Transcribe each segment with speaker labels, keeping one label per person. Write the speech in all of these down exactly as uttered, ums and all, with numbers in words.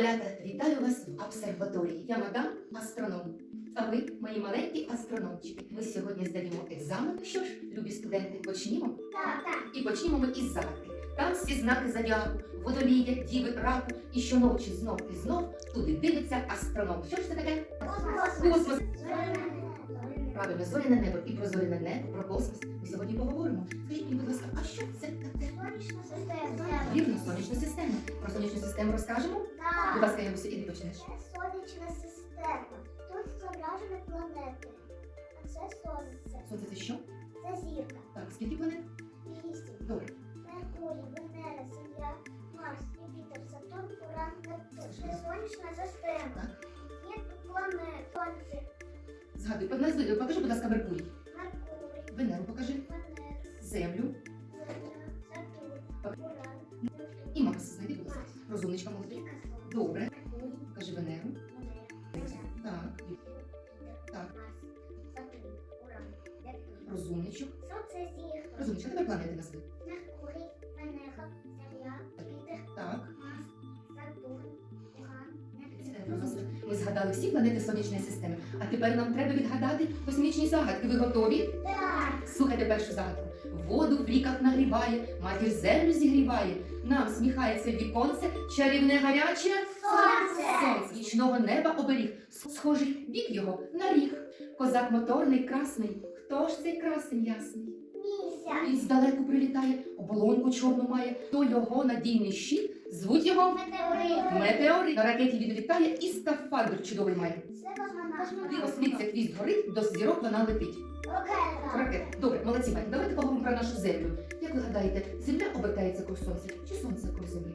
Speaker 1: Малята, вітаю вас в обсерваторії. Я мадам астроном. А ви, мої маленькі астрономчики. Ми сьогодні здаємо екзамен. Що ж, любі студенти, почнімо?
Speaker 2: Так, так.
Speaker 1: І почнімо ми із загадки. Там всі знаки зодіаку, водолія, діви, раку. І щоночі знов і знов туди дивиться астроном. Що ж це таке? Космос. Правильно, зоряне небо. І про зоряне небо, про космос ми сьогодні поговоримо. Скажіть мені, будь ласка, а що це таке?
Speaker 2: Сонячна система.
Speaker 1: Вірно, сонячна система. Про сонячну систему розкажемо?
Speaker 2: Так.
Speaker 1: Будь ласка, Ягуся, іди почнеш.
Speaker 2: Це сонячна система. Тут зображені планети. А це сонце.
Speaker 1: Сонце це що?
Speaker 2: Це зірка.
Speaker 1: Так, скільки планет?
Speaker 2: Вісім.
Speaker 1: Добре.
Speaker 2: Меркурій, Венера, Земля, Марс, Юпітер, Сатурн, Уран, Нептун. Це сонячна система.
Speaker 1: Так.
Speaker 2: Є тут планети. Сонце.
Speaker 1: Згадуй, назви, покажи, будь ласка, Меркурій.
Speaker 2: Меркурій,
Speaker 1: Венеру покажи.
Speaker 2: Венера,
Speaker 1: Землю.
Speaker 2: Земля, Сатурн, Уран, Нептун.
Speaker 1: І Марс. Знайди, будь ласка. Розумничка молодий.
Speaker 2: Зірка Сонце.
Speaker 1: Добре.
Speaker 2: Меркурій,
Speaker 1: Покажи Венеру.
Speaker 2: Венера, Земля.
Speaker 1: Так. Так.
Speaker 2: Сатурн, Уран, Нептун.
Speaker 1: Розумничок.
Speaker 2: Сонце зірка.
Speaker 1: Розумничка, тепер планети назви.
Speaker 2: Меркурій, Венера, Земля, Юпітер,
Speaker 1: Так.
Speaker 2: Марс, Сатурн, Уран,
Speaker 1: Сідай,
Speaker 2: Нептун.
Speaker 1: розумничок. Ми згадали всі планети сонячної системи. А тепер нам треба відгадати космічні загадки. Ви готові?
Speaker 2: Так.
Speaker 1: Слухайте першу загадку. Воду в ріках нагріває, матір землю зігріває. Нам сміхається віконце, чарівне гаряче
Speaker 2: Сонце.
Speaker 1: сонце. Нічного неба оберіг. Схожий бік його на ріг. Козак моторний, красний. Хто ж цей красень ясний?
Speaker 2: Місяць.
Speaker 1: Він здалеку прилітає, оболонку чорну має. То його надійний щит, звуть його
Speaker 2: Метеорит.
Speaker 1: метеорит. На ракеті він літає і скафандр чудовий має.
Speaker 2: Це космонавт.
Speaker 1: Його світиться хвіст горить, до зірок вона летить.
Speaker 2: Ракета.
Speaker 1: Ракет. Добре, молодці, Ваня, давайте поговоримо про нашу землю. Як ви гадаєте, земля обертається круг сонця чи сонце круг землі?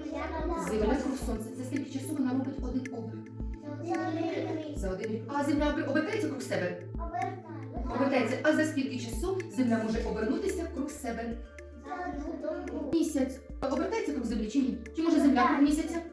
Speaker 1: Земля круг сонця. Це скільки часу вона робить один оберт? За один рік. А земля обер- обертається круг себе? Обертається. А за скільки часу земля може обернутися круг себе? Місяць. Обертається круг землі чи ні? Чи може земля круг місяця?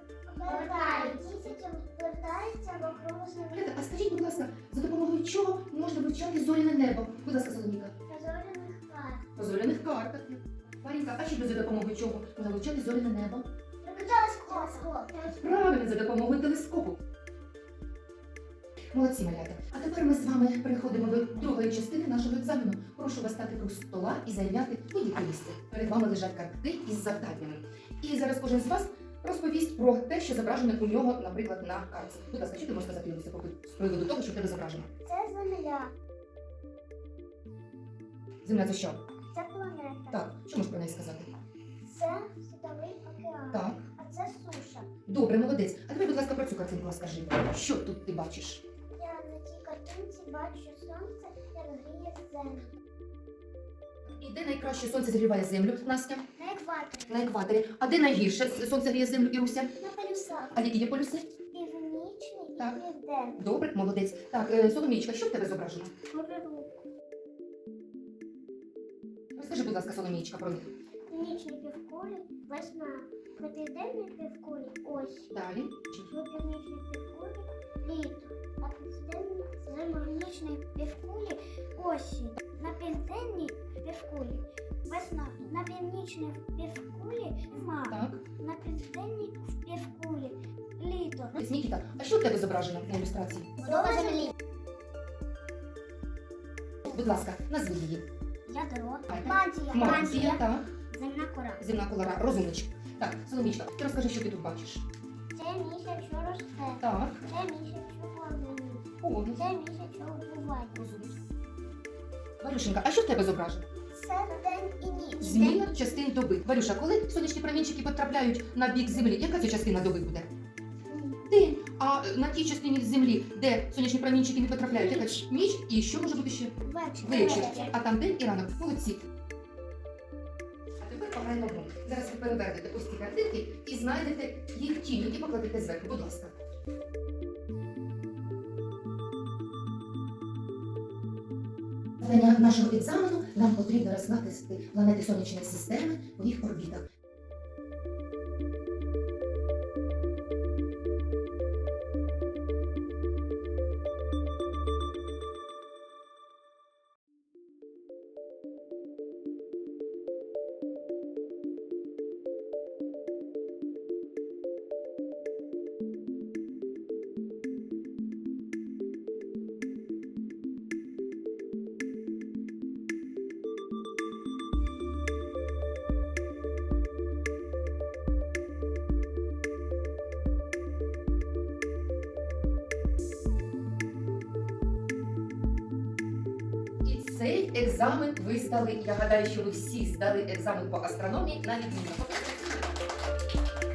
Speaker 1: Ребята, а скажіть, будь ласка, за допомогою чого можна вивчати зоряне небо? Будь ласка, Соломіка. По зоряних картах. Марінка, а ще за допомогою чого можна вивчати зоряне небо? Правильно, за допомогою телескопу. Молодці, малята. А тепер ми з вами переходимо до другої частини нашого екзамену. Прошу вас стати круг стола і зайняти будь-яке місце. Перед вами лежать картки із завданнями. І зараз кожен з вас розповість про те, що зображено у нього, наприклад, на картці. Будь ласка, що ти можеш сказати Юліся, з приводу того, що в тебе зображено?
Speaker 2: Це земля,
Speaker 1: Земля це що?
Speaker 2: це планета,
Speaker 1: Так, що можеш про неї сказати?
Speaker 2: це світовий океан,
Speaker 1: Так.
Speaker 2: а це суша.
Speaker 1: Добре, молодець. А тепер, будь ласка, про цю картинку розкажи. Що тут ти бачиш?
Speaker 2: Я на цій картинці бачу сонце, як гріє землю.
Speaker 1: І де найкраще сонце зігріває землю, Настя?
Speaker 2: На екваторі,
Speaker 1: На екваторі. А де найгірше сонце гріє землю, Іруся?
Speaker 2: на полюсах,
Speaker 1: А які є полюси?
Speaker 2: північний і
Speaker 1: Так.
Speaker 2: південний.
Speaker 1: Добре, молодець. Так, е, Соломійчка, що в тебе зображено?
Speaker 2: Горизонт.
Speaker 1: Розкажи, будь ласка, Соломійчка, про них.
Speaker 2: Північній півкулі весна, на південній півкулі осінь,
Speaker 1: Далі.
Speaker 2: на північній півкулі літо, на південній північній півкулі осінь, на південній півкулі весна, на північній півкулі зима,
Speaker 1: Так.
Speaker 2: на південній півкулі літо.
Speaker 1: Нікіта, а що в тебе зображено на ілюстрації?
Speaker 2: Будова землі.
Speaker 1: Будь ласка, назви її.
Speaker 2: Ядро.
Speaker 1: Ай,
Speaker 2: Мантія.
Speaker 1: Мантія, так.
Speaker 2: Земна кора.
Speaker 1: Земна колора, розумничка. Так, Соломійчка, ти розкажи, що ти тут бачиш.
Speaker 2: Це місяць, що росте.
Speaker 1: Так.
Speaker 2: Це місяць, що повинен.
Speaker 1: О,
Speaker 2: Це місяць, що вбуває.
Speaker 1: розумничка. Варюшенька, а що в тебе зображено?
Speaker 2: Це день і ніч.
Speaker 1: Зміна частин доби. Варюша, коли сонячні промінчики потрапляють на бік землі, яка це частина доби буде? День. А е, на тій частині землі, де сонячні промінчики не потрапляють, яка
Speaker 2: Ніч.
Speaker 1: ніч, і що може бути ще?
Speaker 2: Вечір.
Speaker 1: Вечір. А там день і ранок. Молодці. А тепер пограємо гру. Зараз ви перевернете ось ці картинки і знайдете їх тінь, і покладете зверху. Будь ласка. Для нашого екзамену нам потрібно розкласти планети сонячної системи у їх орбітах. Цей екзамен ви здали. Я гадаю, що ви всі здали екзамен по астрономії на відмінно.